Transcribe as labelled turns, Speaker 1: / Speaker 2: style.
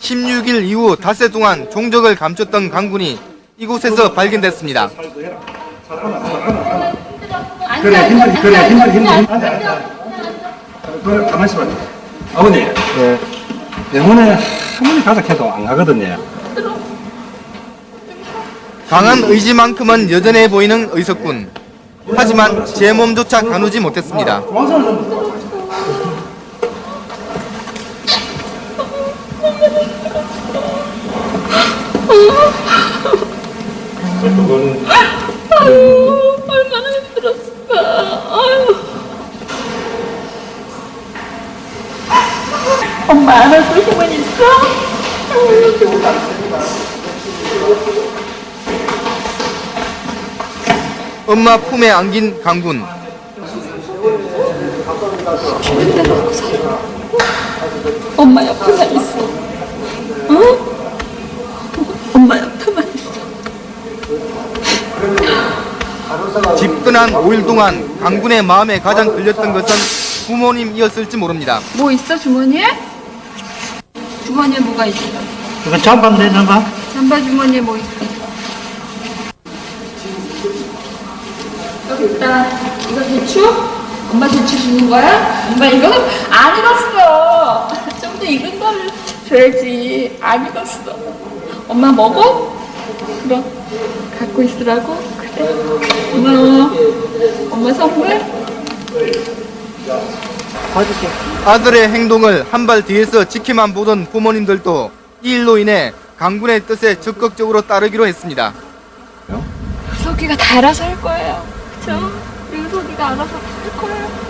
Speaker 1: 16일 이후 닷새 동안 종적을 감췄던 강군이 이곳에서 발견됐습니다.
Speaker 2: 그래, 힘들이. 그래, 가만히 있어봐. 아버님, 예. 병원에 할머니 가자 해도 안 가거든요.
Speaker 1: 강한 의지만큼은 여전해 보이는 의석군. 하지만 제 몸조차 가누지 못했습니다.
Speaker 3: 얼마나 힘들었을까. 엄마 안아줄 힘은 있어?
Speaker 1: 엄마 품에 안긴 강군.
Speaker 3: 엄마 옆에만 있어. 응? 엄마 옆에만 있어.
Speaker 1: 집근한 5일 동안 강군의 마음에 가장 걸렸던 것은 부모님이었을지 모릅니다.
Speaker 3: 뭐 있어 주머니에? 주머니에 뭐가 있어?
Speaker 2: 이거 잠깐만 내놔봐.
Speaker 3: 잠바 주머니에 뭐 있어? 여기 있다. 이거 대추? 엄마 대추 주는 거야? 엄마 이거는 안 익었어. 좀 더 익은 걸 줘야지. 안 익었어. 엄마 먹어? 그럼 갖고 있으라고? 그래. 고마워. 엄마 선물?
Speaker 1: 아들의 행동을 한 발 뒤에서 지켜만 보던 부모님들도 이 일로 인해 강군의 뜻에 적극적으로 따르기로 했습니다.
Speaker 3: 유석이가 다 알아서 할 거예요. 그쵸? 유석이가 알아서 할 거예요.